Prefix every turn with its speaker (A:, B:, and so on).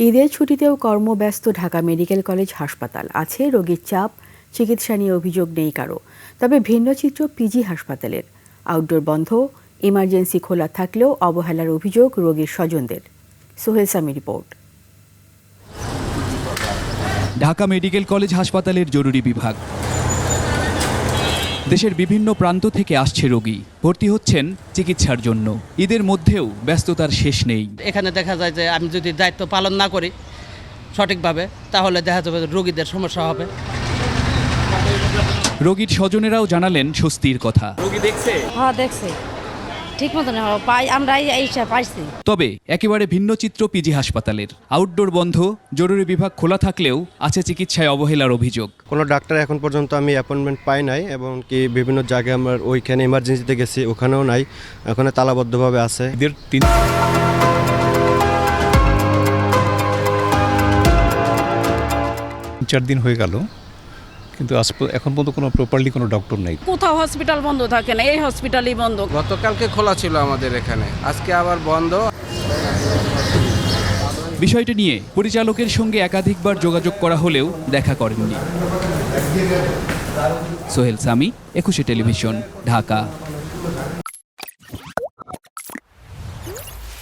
A: ঈদের ছুটিতেও কর্মব্যস্ত Dhaka medical college হাসপাতাল। আছে রোগীর চাপ, চিকিৎসা নিয়ে অভিযোগ নেই কারো। তবে ভিন্ন চিত্র পিজি হাসপাতালের। আউটডোর বন্ধ, ইমার্জেন্সি খোলা থাকলেও অবহেলার অভিযোগ রোগীর স্বজনদের। Sohel Sami report.
B: Dhaka medical college হাসপাতালের জরুরি বিভাগ। দেশের বিভিন্ন প্রান্ত থেকে আসছে রোগী, ভর্তি হচ্ছেন চিকিৎসার জন্য। ঈদের মধ্যেও ব্যস্ততার শেষ নেই।
C: এখানে দেখা যায় যে আমি যদি দায়িত্ব পালন না করি সঠিকভাবে, তাহলে দেখা যাবে রোগীদের সমস্যা হবে।
B: রোগীর স্বজনেরাও জানালেন স্বস্তির কথা।
D: রোগী দেখছে?
E: হ্যাঁ দেখছি, ঠিক মতন পাই, আমরা এইসব পাইছি।
B: তবে একেবারে ভিন্ন চিত্র পিজি হাসপাতালের। আউটডোর বন্ধ, জরুরি বিভাগ খোলা থাকলেও আছে চিকিৎসায় অবহেলার অভিযোগ।
F: কোনো ডাক্তার এখন পর্যন্ত আমি অ্যাপয়েন্টমেন্ট পাই নাই, এবং কি বিভিন্ন জায়গায় আমার ওইখানে ইমার্জেন্সিতে গেছি, ওখানেও নাই, ওখানে তালাবদ্ধভাবে আছে।
D: ঈদের 3-4 দিন হয়ে গেল, কিন্তু এখন পর্যন্ত কোনো প্রপারলি কোনো ডক্টর নেই।
G: কোথাও হসপিটাল বন্ধ থাকে না, এই হসপিটালই বন্ধ।
H: গতকালকে খোলা ছিল আমাদের এখানে, আজকে আবার বন্ধ।
B: বিষয়টি নিয়ে পরিচালকের সঙ্গে একাধিকবার যোগাযোগ করা হলেও দেখা করেননি। সোহেল সামি, 21 টেলিভিশন, ঢাকা।